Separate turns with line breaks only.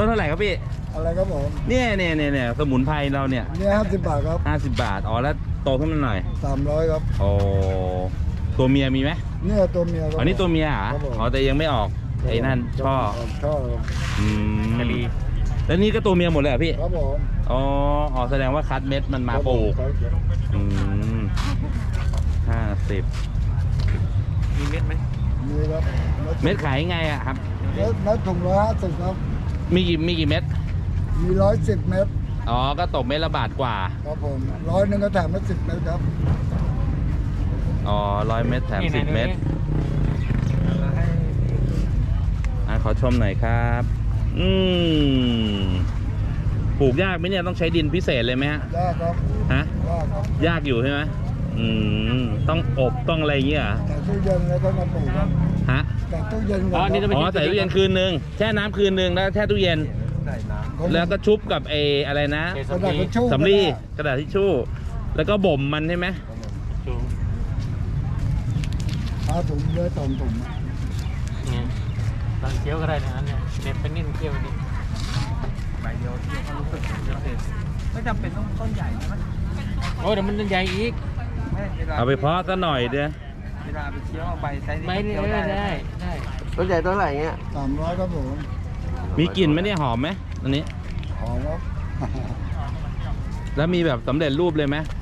ต้นเท่าไหร่ครับพี่
อะไรครับผม
เนี่ยสมุนไพรเราเนี่ย
เนี่ย50 บาทครับ
50 บาทอ๋อแล้วโตขึ้นมาหน่อย
300ครับ
โอ้ตัวเมียมีไหม
เนี่ยตัวเมียครับ
อ๋อนี่ตัวเมียเหรออ๋อแต่ยังไม่ออกไอ้นั่นช่อ
ครับ
แล้วนี่ก็ตัวเมียหมดเลยเหรอพี่
ครับผม
อ๋อแสดงว่าคัดเม็ดมันมาปลูก50
มีเม็ดไหม
มีครับ
เม็ดขายไงอะครับ
เม็ดถุง150ครับ
มีกี่เม็ด
มี110 เม็ด
อ๋อก็ตกเม็ดละบาทกว่า
ครับผม100 ก็แถมมา10 เม็ดครับ
อ๋อ100 เม็ดแถม10 เม็ดขอชมหน่อยครับปลูกยากไหมเนี่ยต้องใช้ดินพิเศษเลยไหมฮะ
ยากครับ
ฮะยากอยู่ใช่ไหมต้องอบต้องอะไรอย่างเงี้ย
แต่ตู้เย็นแล้วก็มาปลูกครับ
ฮะ
แต่ตู้เย็น
ใส่ตู้เย็นคืนนึงแช่น้ำคืนนึงแล้วแช่ตู้เย็นแล้วก็ชุบกับอะไรนะ
กระดาษทิชชู่
สำลีกระดาษทิชชู่แล้วก็บ่มมันใช่ไหม
ถุงเลยถุง
เนี่ยตอนเคี้ยวก็ได้นะเนี่ยเน็ตเป็นนิ่มเคี้ยวนี่ใบเดียวเคี้ยวก็รู้สึกไม่จำเป็นต้องต้นใหญ่ใช่ไหมโอ้เดี๋ยวมันต้นใหญ่อีก
เอาไปเพาะซะหน่อยเด้อ
เวลาไปเคี้ยวเอาใบไซส์นี้ได้ต้นใหญ่ต้นไหนเงี้ย
300ครับผม
มีกลิ่นไหมเนี่ยหอมไหมอันนี้
หอมครับ
แล้วมีแบบสำเร็จรูปเลยไหม